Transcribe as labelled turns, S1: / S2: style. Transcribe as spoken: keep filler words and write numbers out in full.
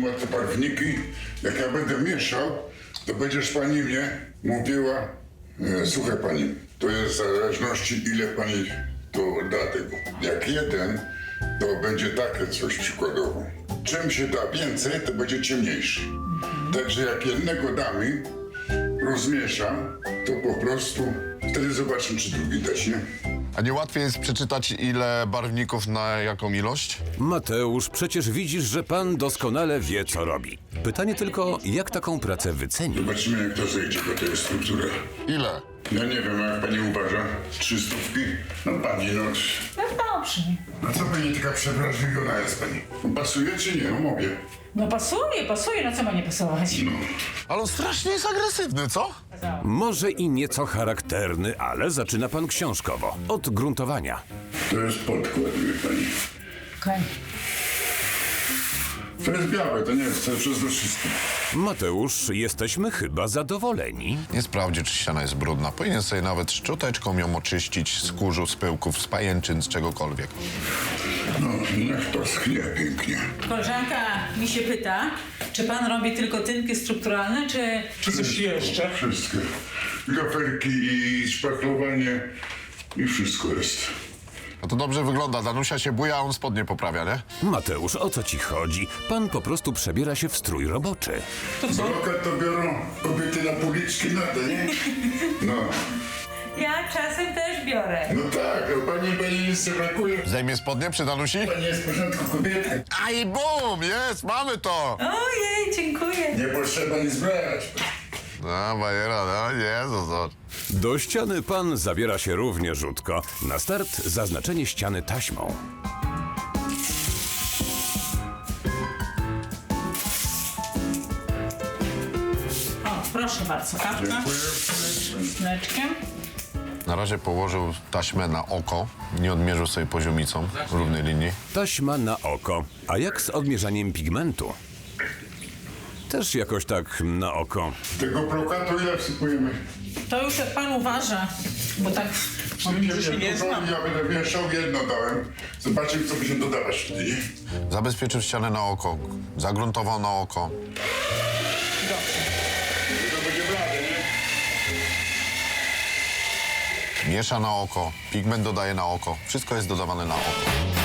S1: ma te barwniki. Jak ja będę mieszał, to będziesz pani mnie mówiła, e, słuchaj pani, to jest w zależności ile pani to da tego. Jak jeden, to będzie takie coś przykładowo. Czym się da więcej, to będzie ciemniejszy. Także jak jednego damy, rozmieszam, to po prostu wtedy zobaczę, czy drugi dać, nie?
S2: A nie łatwiej jest przeczytać, ile barwników na jaką ilość?
S3: Mateusz, przecież widzisz, że pan doskonale wie, co robi. Pytanie tylko, jak taką pracę wyceni?
S1: Zobaczymy, jak to zejdzie, bo to jest struktura.
S2: Ile?
S1: Ja nie wiem, a jak pani uważa? Trzy stówki? No pani, no...
S4: No dobrze.
S1: A co pani taka przewrażliwiona jest pani? Pasuje czy nie? No mówię.
S4: No pasuje, pasuje, no co ma nie pasować?
S1: No.
S2: Ale on strasznie jest agresywny, co?
S3: Może i nieco charakterny, ale zaczyna pan książkowo. Od gruntowania.
S1: To jest podkład, wie pani.
S4: Okej.
S1: To jest białe, to nie jest to przezroczyste.
S3: Mateusz, jesteśmy chyba zadowoleni.
S2: Nie sprawdzi, czy ściana jest brudna. Powinien sobie nawet szczoteczką ją oczyścić z kurzu, z pyłków, z pajęczyn, z czegokolwiek.
S1: No, niech to schnie pięknie.
S4: Koleżanka mi się pyta, czy pan robi tylko tynki strukturalne, czy...
S5: Czy coś jeszcze?
S1: Wszystkie. Gafelki i szpachlowanie i wszystko jest.
S2: No to dobrze wygląda. Danusia się buja, a on spodnie poprawia, nie?
S3: Mateusz, o co ci chodzi? Pan po prostu przebiera się w strój roboczy.
S5: To co?
S1: Brokat to biorą kobiety na policzki na to, nie? No.
S4: Ja czasem też biorę.
S1: No tak, a pani, pani nic nie brakuje.
S2: Zdejmie spodnie przy Danusi?
S1: Pani jest w porządku kobiety.
S2: A i bum! Jest, mamy to!
S4: Ojej, dziękuję.
S1: Nie potrzeba nic brać.
S2: No, bajera, no, Jezus, zobacz.
S3: Do ściany pan zabiera się równie rzutko. Na start zaznaczenie ściany taśmą.
S4: O, proszę bardzo, kawka. Z mleczkiem.
S2: Na razie położył taśmę na oko, nie odmierzył sobie poziomicą równej linii.
S3: Taśma na oko. A jak z odmierzaniem pigmentu? Też jakoś tak na oko.
S1: Tego brokatu ile wsypujemy?
S4: To już jak pan uważa, bo tak...
S1: Sypiemy
S5: się nie
S1: dużo,
S5: znam.
S1: ja będę mieszał, jedno dałem. Zobaczymy, co będziemy dodawać wtedy, nie?
S2: Zabezpieczył ścianę na oko, zagruntował na oko.
S1: To będzie blade, nie?
S2: Miesza na oko, pigment dodaje na oko. Wszystko jest dodawane na oko.